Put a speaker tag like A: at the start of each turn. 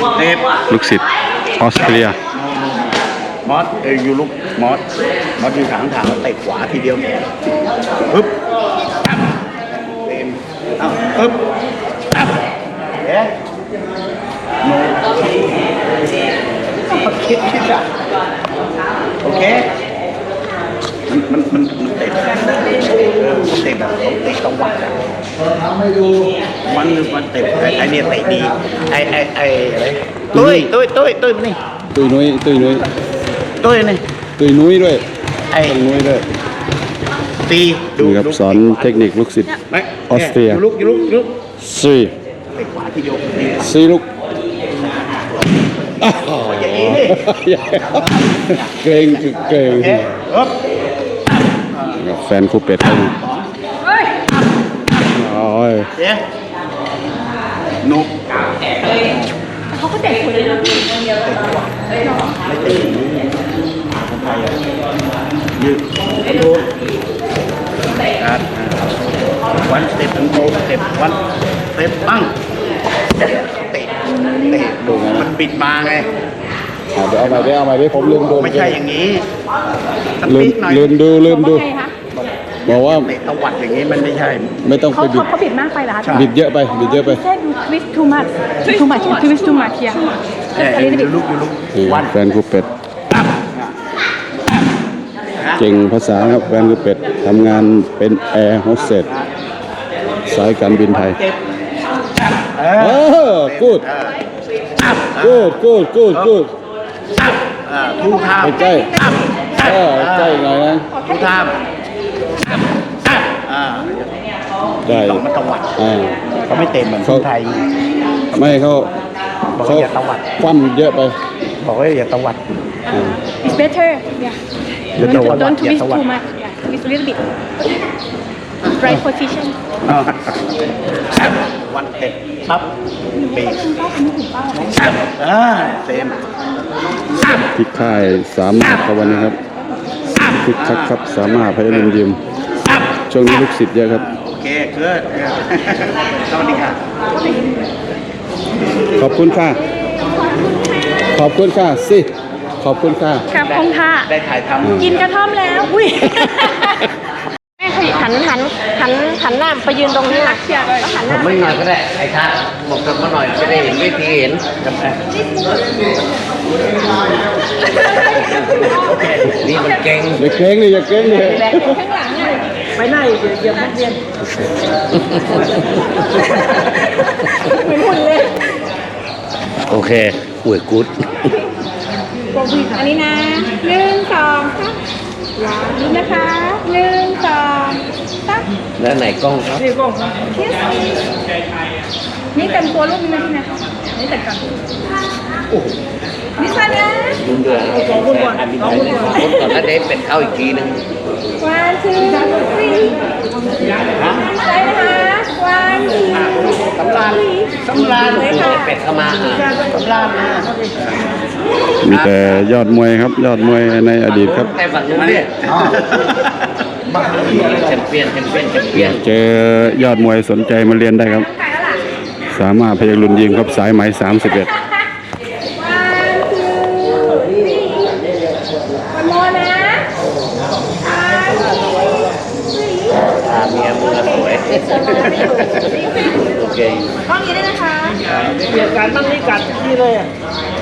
A: ลูกศิษย์ออสเตรีย
B: มอสอยู่ลูกมอสอยู่ถางเตะขวาทีเดียวปึ๊บเต็มปึ๊บเอ๊ะโนคิดอ่ะโอเคมันเตะแบบเตะตะวันมันเตะไอ้เนี่ยเตะดีไอ้อะไรตุ้ยนี่
A: ตุยนุ้ย
B: ตุ้ยนี่
A: ตุยนุ้ยด้วย
B: ไอ้
A: นุ้ยด้วย
B: ตีดู
A: ครับสอนเทคนิคลูกศิษย์ออสเตรีย
B: ลุก
A: สี่
B: ไปขวาที่ยก
A: สี่ลูกเกรงแฟนครูเป็ดให้โอ้ย
B: นุก
C: เขาก็เด็กคนเลยนะพี่ไม่เตะ
B: คนไทยยืดวันสเต็ปถึงโตสเต็ปวันสเต็ปปั้งเตะดูมันปิดมาไง
A: เดี๋ยวเอาใหม่ดิผมลืมดู
B: ไม่ใช่อย่างนี้
A: ลืมดูบอกว่า
B: เตะตะวัดอย่างนี้มันไม่ใช่
A: ไม่ต้องไปบิด
C: เขาบิดมากไปเหรอคะ
A: บิดเยอะไป
C: แค่ดูทวิสต์ too much here
B: อยู่ลุก
A: วันแฟนครูเป็ดเก่งภาษาครับแฟนครูเป็ดทำงานเป็นแอร์โฮสเตสสายการบินไทยกูด
B: ทูทาม
A: ใกล้หน่อยนะ
B: ทูทาม
A: ได้
B: มันตะวัดเขาไม่เต็มเหมือนคนไทย
A: ไม่เขาคว่ำเยอะไป
B: บอกว่าอย่าตะวัด
C: it's better yeah don't twist too much yeah twist a little bit right position
B: วันเต็มปั๊บปีเต็ม
A: ที่ค่ายสามารถครับวันนี้ครับคึกคักครับสามารถพยายามยิมช่วงนี้ลูกศิษย์เยอะครับ
B: โอเคเกิดสวัสดีค่ะ
A: ขอบคุณค่ะสิขอบคุณค่ะ
C: ครับคงค่ะ
B: ได้ถ่ายทำ
C: กินกระท่อมแล้วอุ้ยแม่ขยิบหันหน้าไปยืนตรงนี้นะแล้วหันหน้า
B: ไม่หน่อยก็ได้ไอ้ท่าบอกกันมาหน่อยจะได้เห็นวิธีเห็นนี่มันเก่ง
A: อย่าเก่งเลย
C: ข้างหลังเลยไปไหนเดี๋ยวนักเรียนเหมือนคุณเลย
B: โอเคอุ้ยกู๊ด
C: อันนี้นะ1 2 3ดูนะคะ1 2 3
B: แล้วไหนกล้องครับ
C: นี่กล้องนี่แต่งตัวรูปนี้นะพี่นะนี่แต่งกันนี่ใช่ไหม
B: คุณเดือด2 คนก่อนแล้วเด็กเป็ดเข้าอีกทีนึง
C: 1 2 3ใช่นะคะ1 2 3
B: สำราญเป็ดเข้ามาสำราญนะ
A: มีแต่ยอดมวยครับยอดมวยในอดีตครับ
B: แต่ฝั่งนู้นเนี่ยแชมเปี้ยน
A: เจอยอดมวยสนใจมาเรียนได้ครับสามารถพยัคฆ์รุนยิมครับสายไหม31
B: เมียมือสวยโอเค
C: ห้องนี้ได้นะคะ
B: เปลี่ยนการนั่งนี่กัดที่เลยอ่ะ